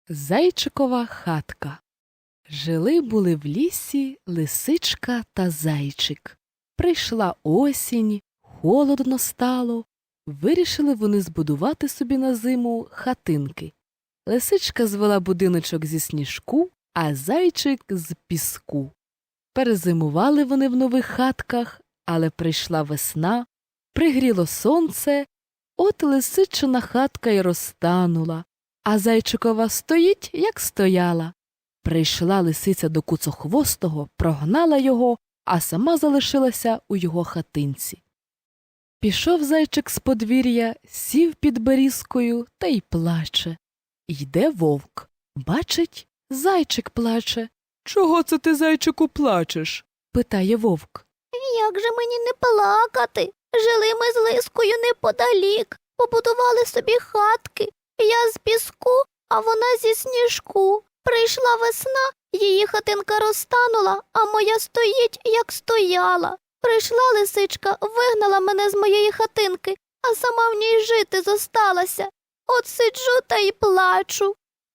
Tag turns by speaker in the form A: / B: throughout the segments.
A: Зайчикова хатка. Жили-були в лісі лисичка та зайчик. Прийшла осінь, холодно стало. Вирішили вони збудувати собі на зиму хатинки. Лисичка звела будиночок зі сніжку, а зайчик – з піску. Перезимували вони в нових хатках, але прийшла весна, пригріло сонце, от лисичина хатка й розтанула, а зайчикова стоїть, як стояла. Прийшла лисиця до куцохвостого, прогнала його, а сама залишилася у його хатинці. Пішов зайчик з подвір'я, сів під берізкою та й плаче. Йде вовк. Бачить, зайчик плаче. «Чого це ти, зайчику, плачеш?» – питає вовк.
B: Як же мені не плакати? Жили ми з Лискою неподалік, побудували собі хатки. Я з піску, а вона зі сніжку. Прийшла весна, її хатинка розтанула, а моя стоїть, як стояла. Прийшла лисичка, вигнала мене з моєї хатинки, а сама в ній жити зосталася. От сиджу та й плачу.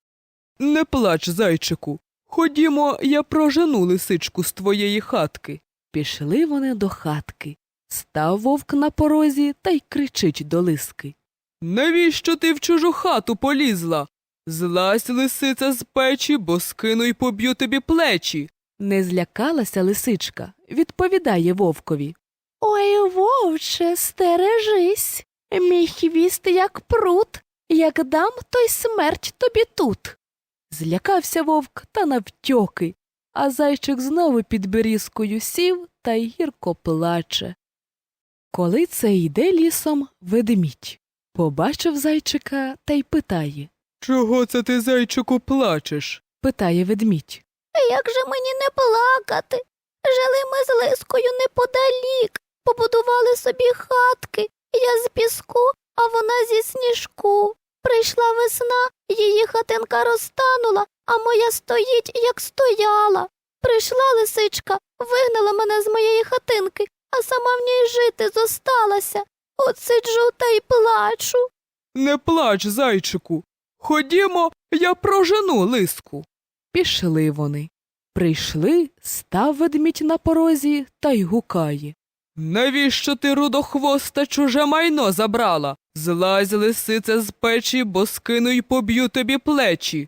A: «Не плач, зайчику. Ходімо, я прожену лисичку з твоєї хатки». Пішли вони до хатки. Став вовк на порозі та й кричить до лиски. «Навіщо ти в чужу хату полізла? Злазь, лисиця, з печі, бо скину й поб'ю тобі плечі». Не злякалася лисичка, відповідає вовкові.
B: Ой, вовче, стережись, мій хвіст як прут, як дам, то й смерть тобі тут.
A: Злякався вовк та навтьоки, а зайчик знову під берізкою сів та й гірко плаче. Коли це йде лісом ведмідь, побачив зайчика та й питає. «Чого це ти, зайчику, плачеш?» – питає ведмідь.
B: Як же мені не плакати? Жили ми з Лискою неподалік, побудували собі хатки. Я з піску, а вона зі сніжку. Прийшла весна, її хатинка розтанула, а моя стоїть, як стояла. Прийшла лисичка, вигнала мене з моєї хатинки, а сама в ній жити зосталася. От сиджу та й плачу.
A: «Не плач, зайчику. Ходімо, я прожену лиску». Пішли вони. Прийшли, став ведмідь на порозі та й гукає. «Навіщо ти, рудохвоста, чуже майно забрала? Злазь, лисице, з печі, бо скину й поб'ю тобі плечі».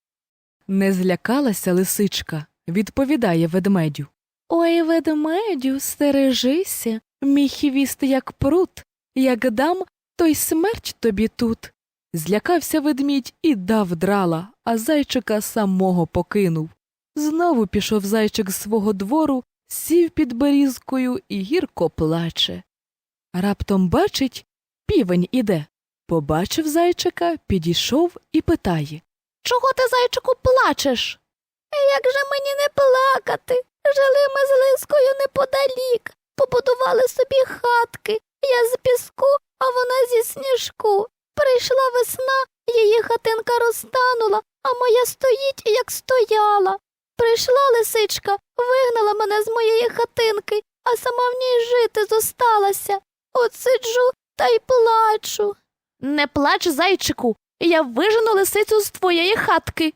A: Не злякалася лисичка, відповідає ведмедю.
B: Ой, ведмедю, стережися, мій хвіст як прут, як дам, то й смерть тобі тут.
A: Злякався ведмідь і дав драла, а зайчика самого покинув. Знову пішов зайчик з свого двору, сів під берізкою і гірко плаче. Раптом бачить, півень іде. Побачив зайчика, підійшов і питає.
B: Чого ти, зайчику, плачеш? Як же мені не плакати? Жили ми з Лискою неподалік, побудували собі хатки. Я з піску, а вона зі сніжку. Прийшла весна, її хатинка розтанула, а моя стоїть, як стояла. Прийшла лисичка, вигнала мене з моєї хатинки, а сама в ній жити зосталася. От сиджу та й плачу. Не плач, зайчику, я вижену лисицю з твоєї хатки.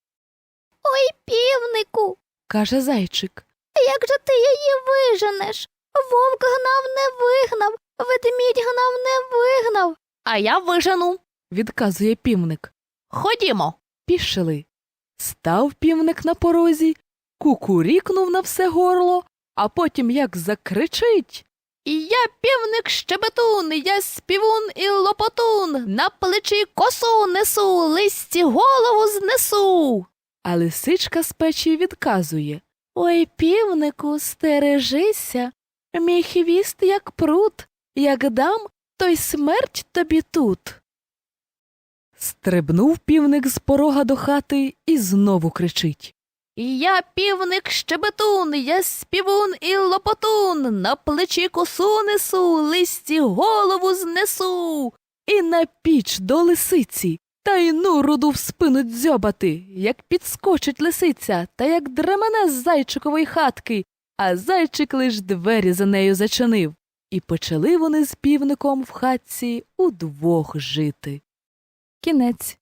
B: Ой, півнику,
A: Каже зайчик.
B: як же ти її виженеш? Вовк гнав, не вигнав, ведмідь гнав, не вигнав. А я вижену,
A: Відказує півник.
B: ходімо.
A: Пішли. Став півник на порозі, кукурікнув на все горло, а потім як закричить.
B: Я півник-щебетун, я співун і лопотун, на плечі косу несу, листі голову знесу.
A: А лисичка з печі відказує.
B: Ой, півнику, стережися, мій хвіст як прут, як дам, то й смерть тобі тут.
A: Стрибнув півник з порога до хати і знову кричить.
B: Я півник-щебетун, я співун і лопотун, на плечі косу несу, листі голову знесу.
A: І на піч до лисиці, та й ну руду в спину дзьобати, як підскочить лисиця, та як дремене з зайчикової хатки, а зайчик лиш двері за нею зачинив. І почали вони з півником в хатці удвох жити. Кінець.